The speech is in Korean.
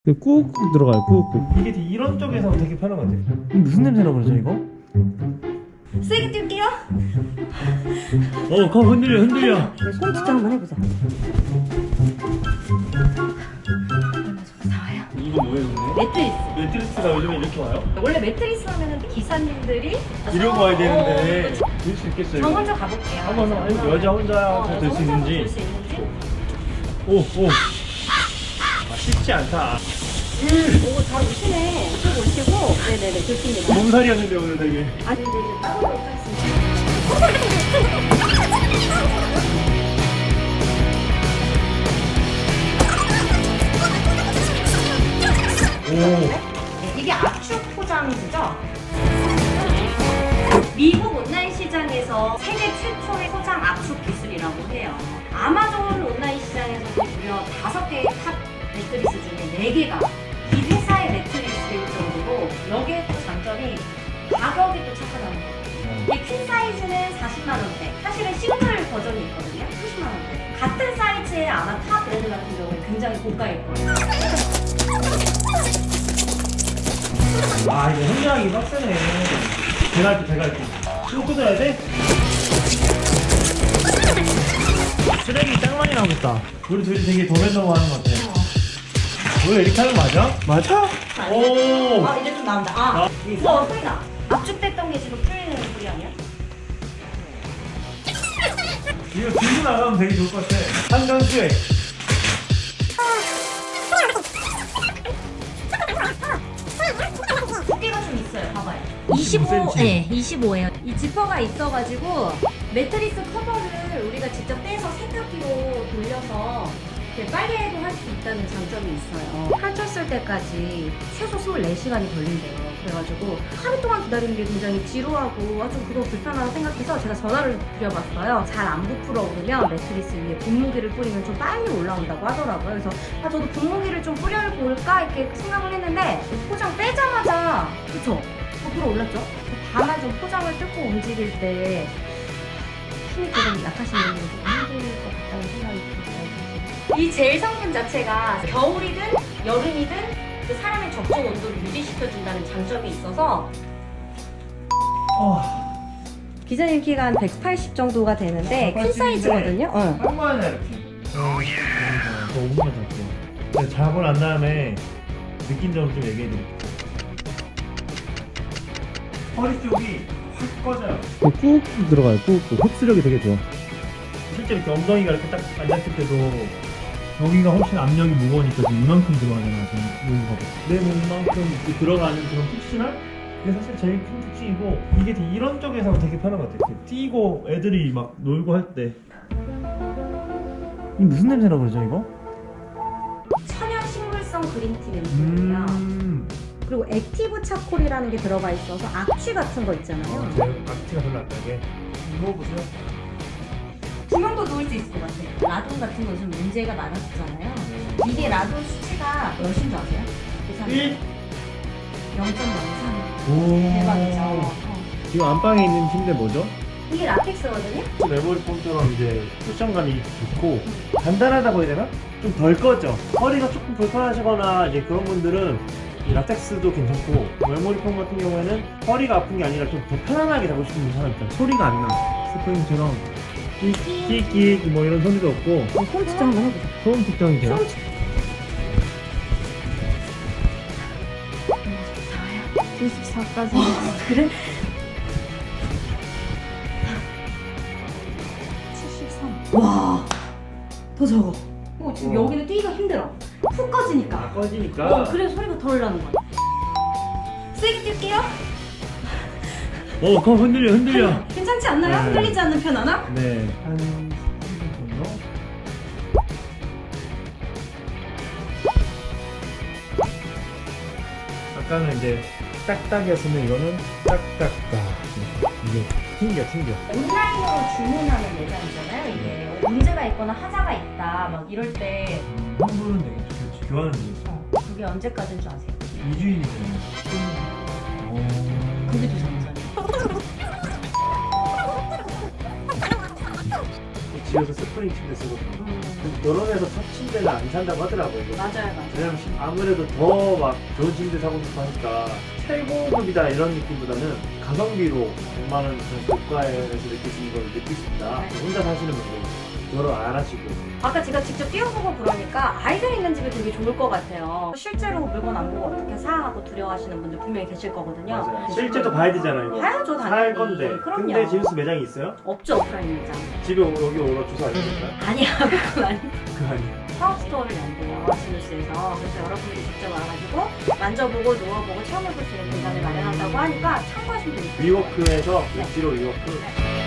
꾹꾹 들어가요. 꾹꾹. 이게 이런 쪽에서 되게 편한 것 같아요. 무슨 냄새나 그러죠 이거? 세게 뛸게요. 거 흔들려 흔들려. 손 진짜 한번 해보자. 나와요. 이거 뭐예요, 근데? 매트리스. 매트리스가 요즘에 이렇게 와요? 원래 매트리스 하면은 기사님들이 이러고 와야 되는데 들 수 있겠어요? 저 먼저 가볼게요. 한번 아니, 여자 혼자 들 수 있는지. 들수 있는지. 오. 쉽지 않다. 오, 잘 오시네. 쭉 오시고. 네네네, 좋습니다. 몸살이었는데 오늘 되게. 아니, 이제 따로록 하겠습니다. 오. 이게 압축 포장지죠? 미국 온라인 시장에서 세계 최초의 포장 압축 기술이라고 해요. 아마존 온라인 시장에서 무려 5개의 탑 매트리스 중에 4개가 이 회사의 매트리스일 정도로 여기에 또 장점이 가격이 또 착하다는 거예요. 이 퀸 사이즈는 40만 원대, 사실은 싱글 버전이 있거든요. 30만 원대. 같은 사이즈의 아마 타 브랜드 같은 경우는 굉장히 고가일 거예요. 아, 이거 혼자하기 빡세네. 제가 할게. 또 뜯어야 돼? 쓰레기 짱 많이 나오겠다. 우리 둘이 되게 도매너무 하는 것 같아. 원래 이렇게 하는 거 맞아? 맞아? 오! 아, 이제 좀 나온다. 소리다. 압축됐던 게 지금 풀리는 소리 아니야? 이거 들고 나가면 되게 좋을 것 같아. 한강 수액. 두께가 좀 있어요. 봐봐요. 25, 네, 25예요. 이 지퍼가 있어가지고 매트리스 커버를 우리가 직접 떼서 세탁기로 돌려서 이렇게 빨래도 할 수 있다는 장점이 있어요. 펼쳤을 때까지 최소 24시간이 걸린대요. 그래가지고 하루 동안 기다리는 게 굉장히 지루하고 좀 그거 불편하다고 생각해서 제가 전화를 드려봤어요. 잘 안 부풀어 오르면 매트리스 위에 분무기를 뿌리면 좀 빨리 올라온다고 하더라고요. 그래서 저도 분무기를 좀 뿌려볼까 이렇게 생각을 했는데 포장 떼자마자 그쵸? 부풀어 올랐죠? 다만 좀 포장을 뜯고 움직일 때 힘이 조금 약하신 분들은 좀 힘들 것 같다는 생각이 들어요. 이 젤 성분 자체가 겨울이든 여름이든 그 사람의 적정 온도를 유지시켜준다는 장점이 있어서 기자님 키가 한 180 정도가 되는데 큰 사이즈거든요. 한 번에 이렇게. 저 5분만 잘게요. 제가 자고 난 다음에 느낀 점을 좀 얘기해드릴게요. 허리 쪽이 확 꺼져요. 꾹꾹 들어가요. 꾹꾹. 흡수력이 되게 좋아. 실제 이렇게 엉덩이가 이렇게 딱 앉았을 때도 여기가 훨씬 압력이 무거우니까 지금 이만큼 들어가잖아. 지금 무거워. 내 몸만큼 이렇게 들어가는 그런 푹신함? 그게 사실 제일 큰 특징이고 이게 이런 쪽에서 되게 편한 것 같아요. 이렇게 뛰고 애들이 막 놀고 할 때. 이 무슨 냄새나 그러죠 이거? 천연 식물성 그린티 멘토예요. 그리고 액티브 차콜이라는 게 들어가 있어서 악취 같은 거 있잖아요. 제가 악취가 별로 안 나게. 먹어보세요. 두 명도 놓을 수 있을 것 같아요. 라돈 같은 거 좀 문제가 많았잖아요. 이게 라돈 수치가 몇인 줄 아세요? 계산해. 0.03. 오. 대박이죠. 지금 안방에 있는 침대 뭐죠? 이게 라텍스거든요? 메모리 폼처럼 이제 쿠션감이 좋고 단단하다고 해야 되나? 좀 덜 꺼져. 허리가 조금 불편하시거나 이제 그런 분들은 이 라텍스도 괜찮고 메모리 폼 같은 경우에는 허리가 아픈 게 아니라 좀 더 편안하게 자고 싶은 사람 있잖아. 소리가 안 나. 스프링처럼 끽끽 뭐 이런 소리도 없고 손 진짜 한번 해보자. 소음 측정이 돼요? 94까지. 그래? 73. 와, 더 적어. 지금 여기는 뛰기가 힘들어. 푹 꺼지니까. 꺼지니까 그래서 소리가 덜 나는 거야. 세게 뛸게요. 거 흔들려 괜찮지 않나요? 네. 흔들리지 않는 편 하나? 네, 한 3분 정도? 아까는 이제 딱딱이었으면 이거는 딱딱딱. 이게 튕겨. 온라인으로 주문하는 매장이잖아요. 이게 문제가 있거나 하자가 있다 막 이럴 때 환불은 되게 좋지. 교환은 되게 그게 언제까지인 줄 아세요? 2주일이잖아요. 그게 더 장점이에요. 집에서 스프링 침대 쓰고 결혼해서 첫 침대는 안 산다고 하더라고요. 맞아요. 왜냐면 아무래도 더 막 좋은 침대 사고 싶어 하니까 최고급이다 이런 느낌보다는 가성비로 100만 원 고가에서 느낄 수 있는 걸 느낄 수 있다. 혼자 사시는 분들 결혼 안 하시고 아까 제가 직접 뛰어보고 그러니까 아이들 있는 집이 되게 좋을 것 같아요. 실제로 물건 안 보고 어떻게 사하고 두려워하시는 분들 분명히 계실 거거든요. 맞아요. 실제도 봐야 되잖아요. 이거. 봐야죠, 당연히. 살 건데. 그럼요. 근데 지우스 매장이 있어요? 없죠, 오프라인 매장. 집에 여기 오러 주소 알려줄까요? 아니야, 그건 아니에요. 그거 아니에요. 파워스토어를 연대요, 지누스에서. 그래서 여러분들이 직접 와가지고 만져보고 누워보고 체험해볼 수 있는 공간을 마련한다고 하니까 참고하시면 됩니다. 위워크에서 네. 엣지로 위워크